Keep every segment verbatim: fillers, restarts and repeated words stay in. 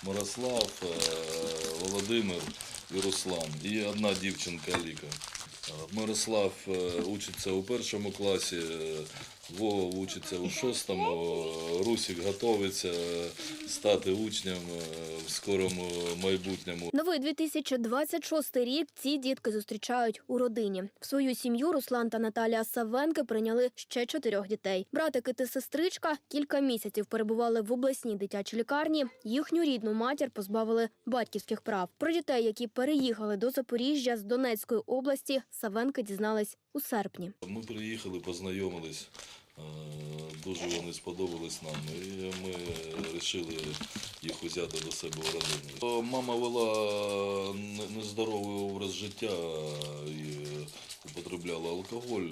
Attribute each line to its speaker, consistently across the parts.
Speaker 1: Мирослав, Володимир і Руслан. І одна дівчинка Ліка. Мирослав учиться у першому класі, Вова учиться у шостому, Русик готується стати учнем в скорому майбутньому.
Speaker 2: Новий дві тисячі двадцять шостий рік ці дітки зустрічають у родині. В свою сім'ю Руслан та Наталія Савенки прийняли ще чотирьох дітей. Братики та сестричка кілька місяців перебували в обласній дитячій лікарні. Їхню рідну матір позбавили батьківських прав. Про дітей, які переїхали до Запоріжжя з Донецької області, Савенки дізнались у серпні.
Speaker 1: Ми приїхали, познайомились. Дуже вони сподобались нам, і ми вирішили їх взяти до себе в родину. Мама вела нездоровий образ життя і употребляла алкоголь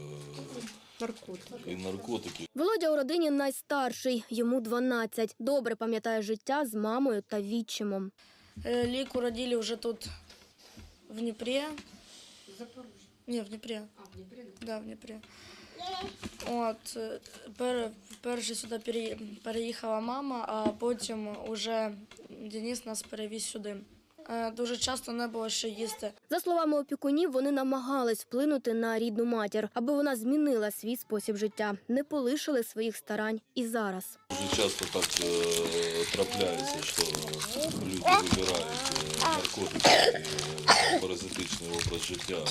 Speaker 3: наркотики.
Speaker 1: і наркотики.
Speaker 2: Володя у родині найстарший, йому дванадцять. Добре пам'ятає життя з мамою та відчимом.
Speaker 4: Лику родили вже тут, в Дніпрі.
Speaker 3: Запорожжя.
Speaker 4: Ні, в Дніпрі.
Speaker 3: А, в Дніпрі?
Speaker 4: Да, в Дніпрі. От, пер, перше сюди переїхала мама, а потім уже Денис нас перевіз сюди. Дуже часто не було що їсти.
Speaker 2: За словами опікунів, вони намагались вплинути на рідну матір, аби вона змінила свій спосіб життя. Не полишили своїх старань і зараз.
Speaker 1: Дуже часто так е, трапляється, що люди вибирають е, наркотики, е, паразитичний образ життя.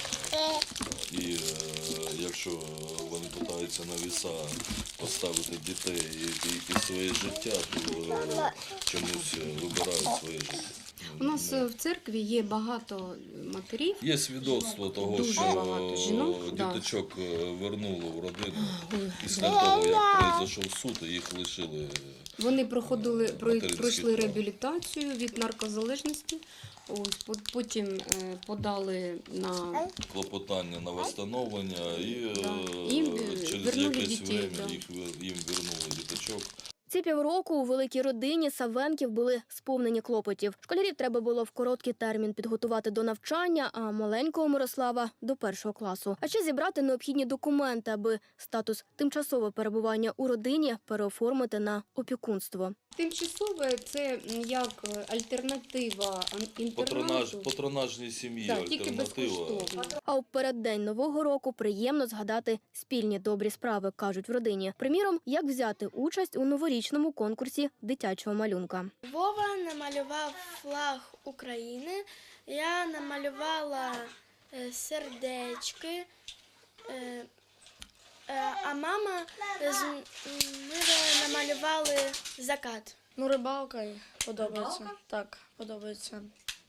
Speaker 1: І е, якщо вони намагаються на віса поставити дітей і, і, і своє життя, то е, чомусь вибирають своє життя.
Speaker 3: У нас в церкві є багато матерів.
Speaker 1: Є свідоцтво того,
Speaker 3: Дуже
Speaker 1: що
Speaker 3: багато жінок,
Speaker 1: діточок вернули в родину після того, як пройшов суд, і їх лишили.
Speaker 3: Вони проходили,
Speaker 1: материнських
Speaker 3: пройшли
Speaker 1: прав.
Speaker 3: реабілітацію від наркозалежності, ось, потім подали на
Speaker 1: Клопотання на встановлення і
Speaker 3: Да. Їм
Speaker 1: через
Speaker 3: вернули
Speaker 1: якесь
Speaker 3: дітей,
Speaker 1: время
Speaker 3: да.
Speaker 1: їх, їм вернули діточок.
Speaker 2: Ці півроку у великій родині Савенків були сповнені клопотів. Школярів треба було в короткий термін підготувати до навчання, а маленького Мирослава – до першого класу. А ще зібрати необхідні документи, аби статус тимчасового перебування у родині переоформити на опікунство.
Speaker 3: тимчасове це як альтернатива
Speaker 1: Патронаж,
Speaker 3: інтернату.
Speaker 1: патронажній сім'ї
Speaker 3: Так, тільки
Speaker 1: альтернатива.
Speaker 3: безкоштовно.
Speaker 2: А у переддень Нового року приємно згадати спільні добрі справи, кажуть в родині. Приміром, як взяти участь у новорічному конкурсі дитячого малюнка.
Speaker 5: Вова намалював флаг України, я намалювала е, сердечки, е, е, а мама з ми намалювали закат.
Speaker 4: Ну, рибалка подобається.
Speaker 6: Рибалка?
Speaker 4: Так, подобається.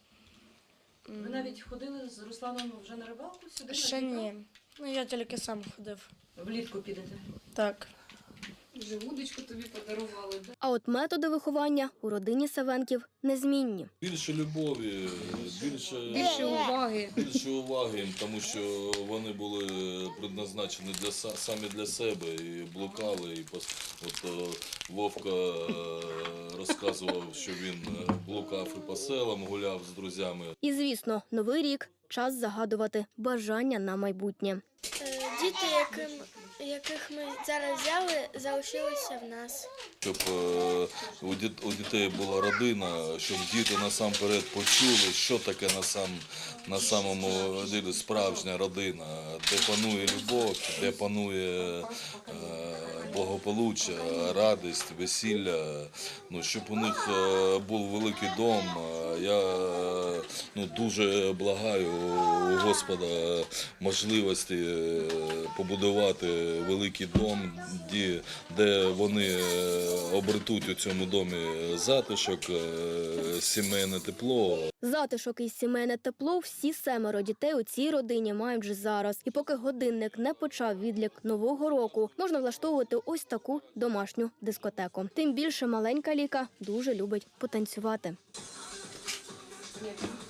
Speaker 6: Ви навіть ходили з Русланом вже на рибалку сюди?
Speaker 4: Ще ні. Ну, я тільки сам ходив.
Speaker 6: Влітку підете?
Speaker 4: Так.
Speaker 3: Вже вудочку тобі подарували. Да?
Speaker 2: А от методи виховання у родині Савенків незмінні.
Speaker 1: Більше любові, більше,
Speaker 3: Більше уваги.
Speaker 1: більше уваги їм, тому що вони були предназначені для, са- самі для себе і блукали. І пос... От е, Вовка е, розказував, що він е, блукав і по селам, гуляв з друзями.
Speaker 2: І, звісно, Новий рік – час загадувати бажання на майбутнє.
Speaker 5: Е, Діти, яким, яких ми зараз взяли, залишилися в нас.
Speaker 1: Щоб е, у, діт, у дітей була родина, щоб діти насамперед почули, що таке на, сам, на самому ділі справжня родина, де панує любов, де панує е, благополуччя, радість, весілля. Ну, щоб у них е, був великий дом. Я е, ну, дуже благаю у Господа можливості е, побудувати великий дом, де, де вони обретуть у цьому домі затишок, сімейне тепло.
Speaker 2: Затишок і сімейне тепло всі семеро дітей у цій родині мають вже зараз. І поки годинник не почав відлік Нового року, можна влаштовувати ось таку домашню дискотеку. Тим більше маленька Ліка дуже любить потанцювати.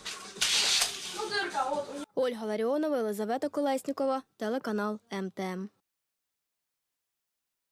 Speaker 2: Ольга Ларіонова, Елизавета Колеснікова, телеканал Ем Те Ем.